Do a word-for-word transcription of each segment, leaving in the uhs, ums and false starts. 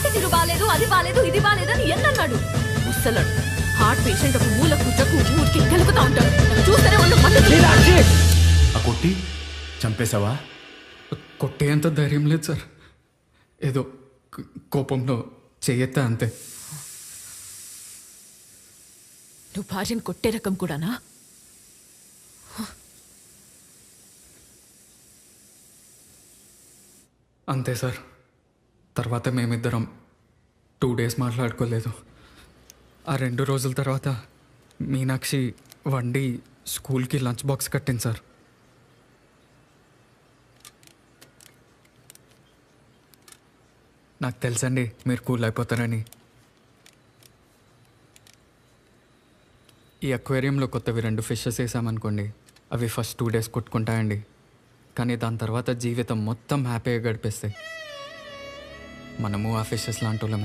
మాట తీరు బాలేదు, అది బాలేదు, ఇది బాలేదు అని ఎన్నన్నాడు. ముసలాడు హార్ట్ పేషెంట్ ఒక మూల కూర్చోకు ఊరికి కలుపుతా ఉంటాడు. చూస్తేనే వాళ్ళు మందు. ఆ కొట్టి చంపేశావా? కొట్టేంత ధైర్యం లేదు సార్. ఏదో కోపంలో చెయ్యెత్తా అంతే. నువ్వు భార్యను కొట్టే రకం కూడానా? అంతే సార్. తర్వాత మేమిద్దరం టూ డేస్ మాట్లాడుకోలేదు. ఆ రెండు రోజుల తర్వాత మీనాక్షి వండి స్కూల్కి లంచ్ బాక్స్ కట్టింది సార్. నాకు తెలుసండి మీరు కూల్ అయిపోతారని. ఈ అక్వేరియంలో కొత్తవి రెండు ఫిషెస్ వేసామనుకోండి, అవి ఫస్ట్ టూ డేస్ కొట్టుకుంటాయండి. కానీ దాని తర్వాత జీవితం మొత్తం హ్యాపీగా గడిపేస్తాయి. మనము ఆ ఫిషెస్ లాంటి వాళ్ళమే.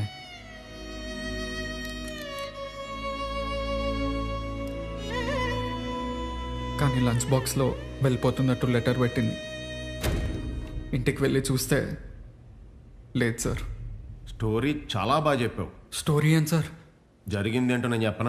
కానీ లంచ్ బాక్స్లో వెళ్ళిపోతున్నట్టు లెటర్ పెట్టింది. ఇంటికి వెళ్ళి చూస్తే లేదు సార్. స్టోరీ చాలా బాగా చెప్పావు. స్టోరీ ఏం సార్? జరిగింది ఏంటో నేను చెప్పనా?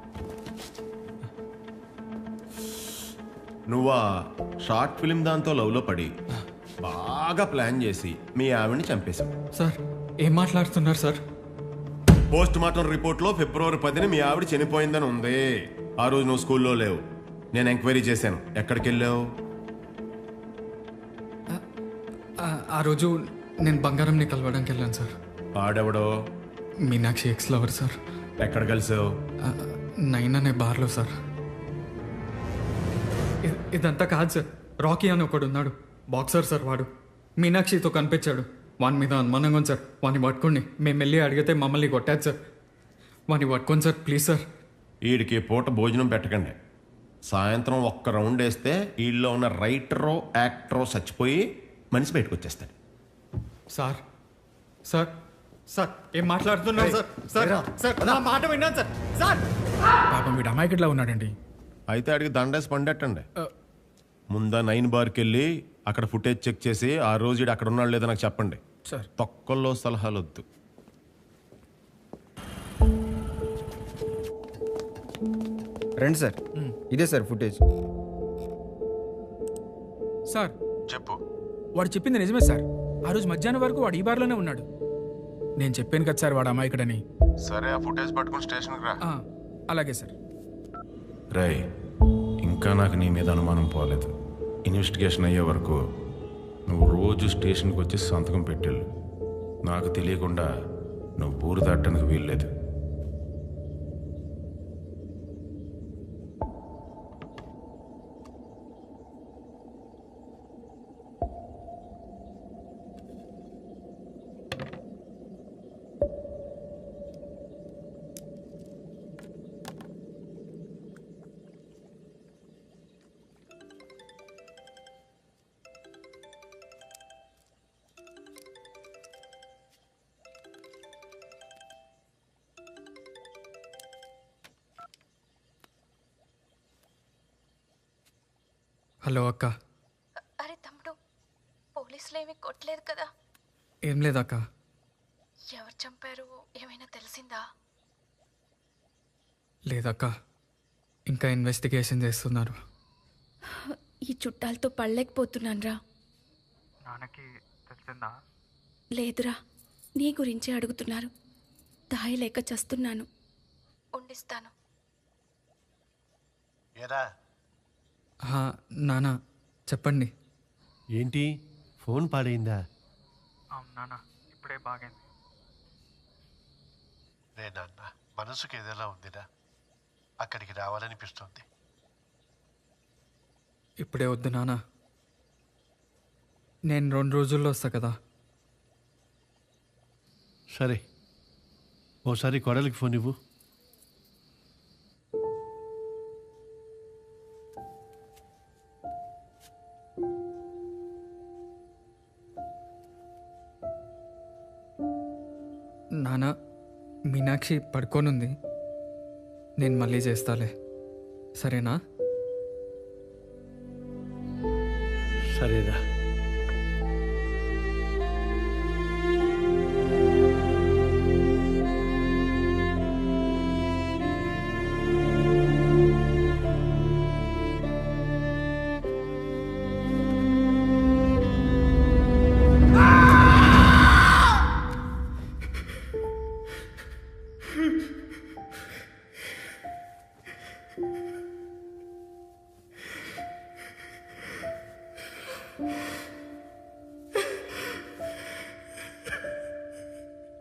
నువ్వు ఆ షార్ట్ ఫిల్మ్ దాంతో లవ్లో పడి బాగా ప్లాన్ చేసి మీ ఆవిడ్ని చంపేశావు. సార్ ఏం మాట్లాడుతున్నారు సార్? పోస్ట్ మార్టం రిపోర్ట్లో ఫిబ్రవరి పదిని మీ ఆవిడ చనిపోయిందని ఉంది. ఆ రోజు నువ్వు స్కూల్లో లేవు. నేను ఎంక్వైరీ చేశాను. ఎక్కడికి వెళ్ళావు? ఆ రోజు నేను బంగారంని కలవడానికి వెళ్ళాను సార్. ఆడెవడో? Meenakshi ex lover sir. ఎక్కడ కలిసావు? నైన్ అనే బార్లో సార్. ఇదంతా కాదు సార్. రాకీ అని ఒకడు ఉన్నాడు, బాక్సర్ సార్. వాడు మీనాక్షితో కనిపించాడు. వాని మీద అనుమానంగా ఉంది సార్. వాడిని పట్టుకోండి. మేము వెళ్ళి అడిగితే మమ్మల్ని కొట్టాడు సార్. వాడిని పట్టుకోండి సార్ ప్లీజ్ సార్. వీడికి పూట భోజనం పెట్టకండి. సాయంత్రం ఒక్క రౌండ్ వేస్తే వీళ్ళలో ఉన్న రైటరో యాక్టరో చచ్చిపోయి మనిషి బయటకు వచ్చేస్తాడు. సార్ సార్ సార్ ఏం మాట్లాడుతున్నారు సార్? సార్ సార్ నా మాట విన్నాను సార్. సార్ పాపం వీడు అమాయకుడిలా ఉన్నాడండి. అయితే అడిగి దండేసి పండెట్టండి. ముందా నైన్ బార్కి వెళ్ళి అక్కడ ఫుటేజ్ చెక్ చేసి ఆ రోజు ఈడు అక్కడ ఉన్నాడు లేదో నాకు చెప్పండి సార్. తొక్కల్లో సలహాలు వద్దు. రండి సార్, ఇదే సార్ ఫుటేజ్. సార్ చెప్పు. వాడు చెప్పింది నిజమే సార్. ఆ రోజు మధ్యాహ్నం వరకు వాడు ఈ బార్లోనే ఉన్నాడు. నేను చెప్పాను కదా సార్ వాడు అమాయకుడని. సరే ఆ ఫుటేజ్ పట్టుకుని స్టేషన్కి రా. ఆ, అలాగే సార్. రై, ఇంకా నాకు నీ మీద అనుమానం పోలేదు. ఇన్వెస్టిగేషన్ అయ్యే వరకు నువ్వు రోజు స్టేషన్కి వచ్చి సంతకం పెట్టేళ్ళు. నాకు తెలియకుండా నువ్వు ఊరు దాటడానికి వీల్లేదు. హలో అక్క. అరే తమ్ముడు, పోలీసులు ఏమీ కొట్టలేదు కదా? ఏం లేదక్క. ఎవరు చంపారు ఏమైనా తెలిసిందా? లేదక్క, ఇంకా ఇన్వెస్టిగేషన్ చేస్తున్నారు. ఈ చుట్టాలతో పడలేకపోతున్నాను రా. నాన్నకి తెలిసిందా? లేదురా, నీ గురించే అడుగుతున్నారు. దాయి లేక చస్తున్నాను. ఉండిస్తాను. నాన్న చెప్పండి. ఏంటి ఫోన్ పాడైందా? నాన్న ఇప్పుడే బాగైంది. నేనన్నా మనసుకు ఏదైనా ఉందినా? అక్కడికి రావాలనిపిస్తుంది. ఇప్పుడే వద్దు నాన్న, నేను రెండు రోజుల్లో వస్తా కదా. సరే, ఓసారి కొడలికి ఫోన్ ఇవ్వు. నాన్న, మీనాక్షి పడుకోనుంది, నేను మళ్ళీ చేస్తాలే, సరేనా? సరేనా?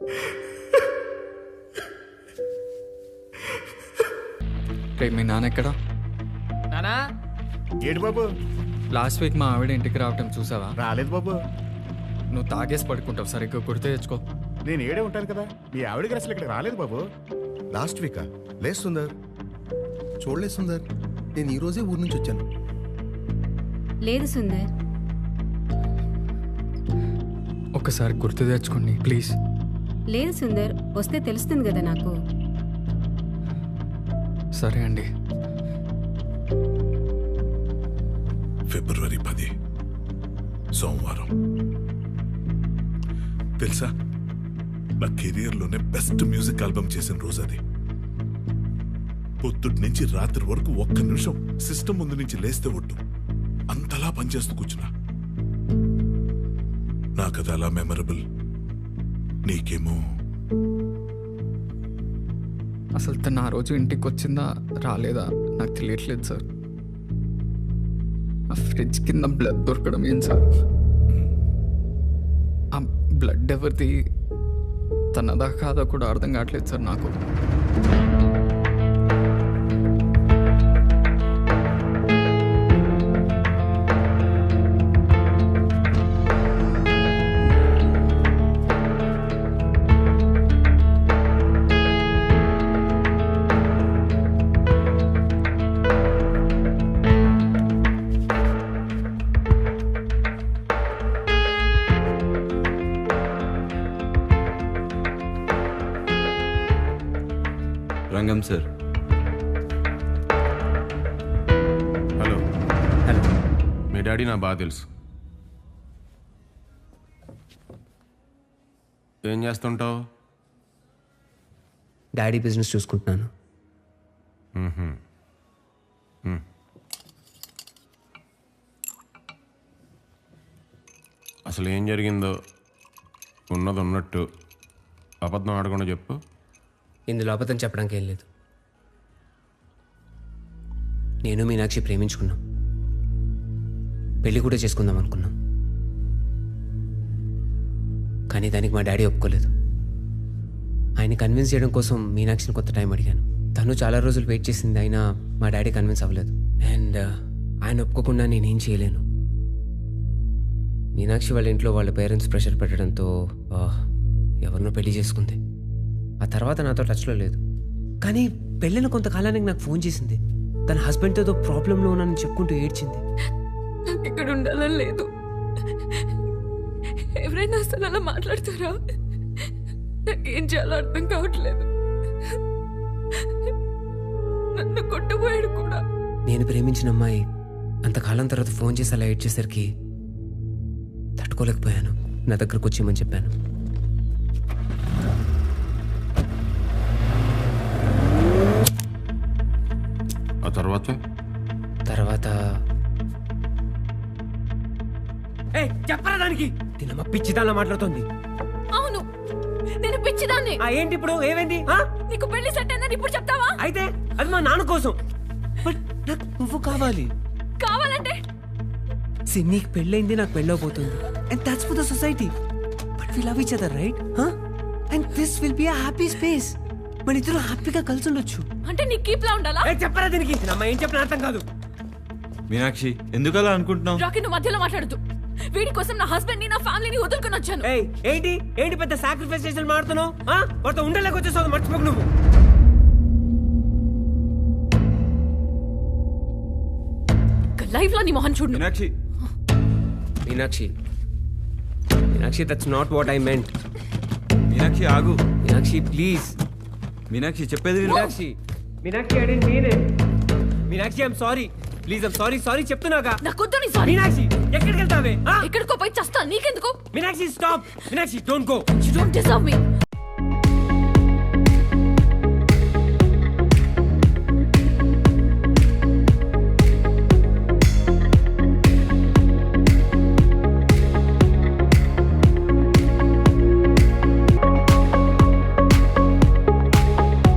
రే మీ నాన్న ఎక్కడా? నానా ఏడు బాబు లాస్ట్ వీక్ మా ఆవిడ ఇంటికి రావటం చూసావా? రాలేదు బాబు. నువ్వు తాగేసి పడుకుంటావు, సరిగ్గా గుర్తు తెచ్చుకో. నేను ఏడే ఉంటాను కదా. మీ ఆవిడకి అసలు ఇక్కడ రాలేదు బాబు. లాస్ట్ వీకా? లేదు సుందర్, చూడలేదు సుందర్. నేను ఈరోజే ఊరు నుంచి వచ్చాను. లేదు సుందర్. ఒక్కసారి గుర్తు తెచ్చుకోండి ప్లీజ్. లేదు సుందర్, వస్తే తెలుస్తుంది కదా నాకు. సరే అండి. ఫిబ్రవరి పది సోమవారం. తెలుసా, నా కెరియర్లోనే బెస్ట్ మ్యూజిక్ ఆల్బమ్ చేసిన రోజు అది. పొద్దుటి నుంచి రాత్రి వరకు ఒక్క నిమిషం సిస్టమ్ ముందు నుంచి లేస్తే ఒట్టు అంతలా పనిచేస్తూ కూర్చున్నా. నాకది అలా మెమరబుల్, నీకేమో. అసలు తను ఆ రోజు ఇంటికి వచ్చిందా రాలేదా నాకు తెలియట్లేదు సార్. ఆ ఫ్రిడ్జ్ కింద బ్లడ్ దొరకడం ఏం సార్? ఆ బ్లడ్ ఎవరిది, తనదా కాదా కూడా అర్థం కావట్లేదు సార్ నాకు. రంగం సార్. హలో. హలో. మీ డాడీ నా బాగా తెలుసు. ఏం చేస్తుంటావు? డాడీ బిజినెస్ చూసుకుంటున్నాను. అసలు ఏం జరిగిందో ఉన్నది ఉన్నట్టు అబద్ధం ఆడకుండా చెప్పు. ఇందులో అబద్ధం చెప్పడానికి ఏం లేదు. నేను మీనాక్షి ప్రేమించుకున్నాం, పెళ్లి కూడా చేసుకుందాం అనుకున్నాం. కానీ దానికి మా డాడీ ఒప్పుకోలేదు. ఆయన కన్విన్స్ చేయడం కోసం మీనాక్షిని కొంత టైం అడిగాను. తను చాలా రోజులు వెయిట్ చేసింది, అయినా మా డాడీ కన్విన్స్ అవ్వలేదు. అండ్ ఆయన ఒప్పుకోకుండా నేనేం చేయలేను. మీనాక్షి వాళ్ళ ఇంట్లో వాళ్ళ పేరెంట్స్ ప్రెషర్ పెట్టడంతో ఎవరినో పెళ్లి చేసుకుంది. ఆ తర్వాత నాతో టచ్లో లేదు. కానీ పెళ్ళిన కొంతకాలానికి నాకు ఫోన్ చేసింది. తన హస్బెండ్తో ఏదో ప్రాబ్లంలో ఉన్నానని చెప్పుకుంటూ ఏడ్చింది. నాకు ఇక్కడ ఉండాలని లేదు. ఎవరైనా అసలు అలా మాట్లాడతారా? నాకేం చేయాలో అర్థం కావట్లేదు. నన్ను కొట్టుపోయాడు కూడా. నేను ప్రేమించిన అమ్మాయి అంతకాలం తర్వాత ఫోన్ చేసి అలా ఏడ్చేసరికి తట్టుకోలేకపోయాను. నా దగ్గరకు వచ్చేయమని చెప్పాను. ఆ తర్వాత తర్వాత చెప్పరా దానికి? తినమ్మ పిచ్చిదానిలా మాట్లాడుతోంది. అవును, నేను పిచ్చిదాన్ని. ఏంటి ఇప్పుడు ఏమైంది? నీకు పెళ్లి సెట్ అయిందని ఇప్పుడు చెప్తావా? అయితే అది మా నాన్న కోసం. బట్ నాకు నువ్వు కావాలి. కావాలంటే నీకు పెళ్ళైంది, నాకు పెళ్ళవబోతుంది. And that's for the society. But we love each other, right? And this will be a happy space. మన ఇద్దరు హ్యాపీగా కలిసి ఉండొచ్చు. అంటే నీకు కీప్లా ఉండాలా? చెప్పరా దీనికి? అమ్మ ఏం చెప్పిన అర్థం కాదు. మీనాక్షి, ఎందుకు అలా అనుకుంటున్నావు? రాకీ, నువ్వు మధ్యలో మాట్లాడద్దు. వీడి కోసం నా హస్బెండ్ ని, నా ఫ్యామిలీని వదులుకొని వచ్చాను. ఏంటి ఏంటి పెద్ద సాక్రిఫైస్ చేసి మాడుతున్నావు? వాటితో ఉండలేక వచ్చేసావు, మర్చిపోకు నువ్వు. లైఫ్ లో నీ మొహం చూడు. Meenakshi Meenakshi Meenakshi that's not what I meant. Meenakshi ఆగు. మీనాక్షి ప్లీజ్. మీనాక్షి చెప్పేది విను. Meenakshi Meenakshi I didn't mean it. Meenakshi I'm sorry. Please I'm sorry. Sorry చెప్తున్నాగా. నాకొద్దు నీ సారీ. మీనాక్షి ఎక్కడికి వెళ్తావే? ఎక్కడికో పోయి చస్తా, నీకెందుకు? Meenakshi stop. Meenakshi don't go. You don't deserve me.